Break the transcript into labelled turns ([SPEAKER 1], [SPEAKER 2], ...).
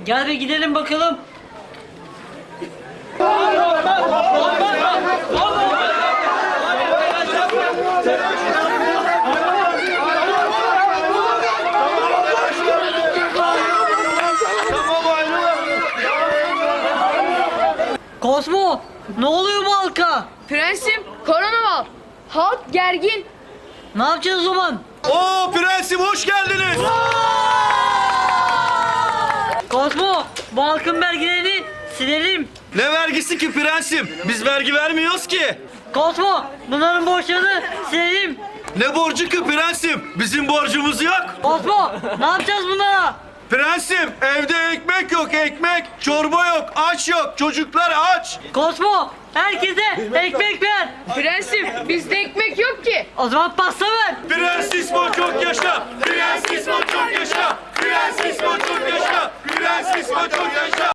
[SPEAKER 1] Gel bir gidelim bakalım. Kozmo, ne oluyor bu halka?
[SPEAKER 2] Prensim, korona var. Halk gergin.
[SPEAKER 1] Ne yapacağız o zaman?
[SPEAKER 3] Oo prensim hoş geldiniz.
[SPEAKER 1] Kozmo, bu halkın vergilerini silelim.
[SPEAKER 3] Ne vergisi ki prensim? Biz vergi vermiyoruz ki.
[SPEAKER 1] Kozmo, bunların borçlarını silelim.
[SPEAKER 3] Ne borcu ki prensim? Bizim borcumuz yok.
[SPEAKER 1] Kozmo, ne yapacağız bunlara?
[SPEAKER 3] Prensim evde ekmek yok ekmek. Çorba yok aç yok. Çocuklar aç.
[SPEAKER 1] Kozmo, herkese ekmek ver.
[SPEAKER 2] Prensim, bizde ekmek yok ki.
[SPEAKER 1] O zaman pasta ver.
[SPEAKER 3] Prens İsmo çok yaşa. Prens İsmo çok yaşa. Prens İsmo çok yaşa. Prens İsmo çok yaşa.